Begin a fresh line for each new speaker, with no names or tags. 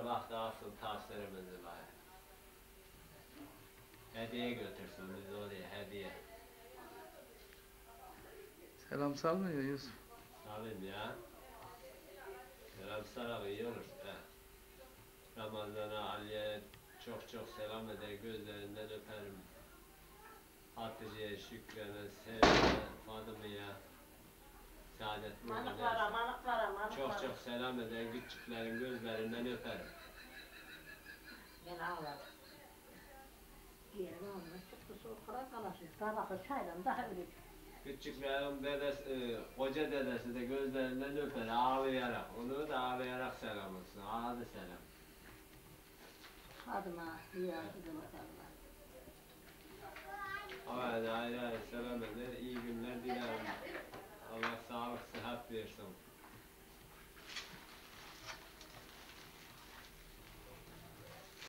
Allah dağıtsın taslarımızı bari. Hediye götürsün biz oraya hediye.
Selam salmıyor Yusuf.
Salim ya. Selam sana iyi olur. He. Ramazan'a, Ali'ye çok çok selam eder, gözlerinden öperim. Hatice'ye, Şükran'a, Sevgi'ye, Fadıma'ya, Saadet
Manıklara, manıklara, manıklara.
çok çok selam eder, küçüklerin gözlerinden öperim.
Ben ağladım. Diyelim olmuş, çıktı soğuklara kalaşıyor. Tabakı çayla daha öyle.
Küçüklerin dedesi, koca dedesi de gözlerinden öper ağlayarak. Onu da ağlayarak selam olsun. Ağladı selam.
Fadıma, rüyası da bakalım.
Havada ayrı ayrı selam eder. İyi günler dilerim. Allah sağlık, sıhhat versin.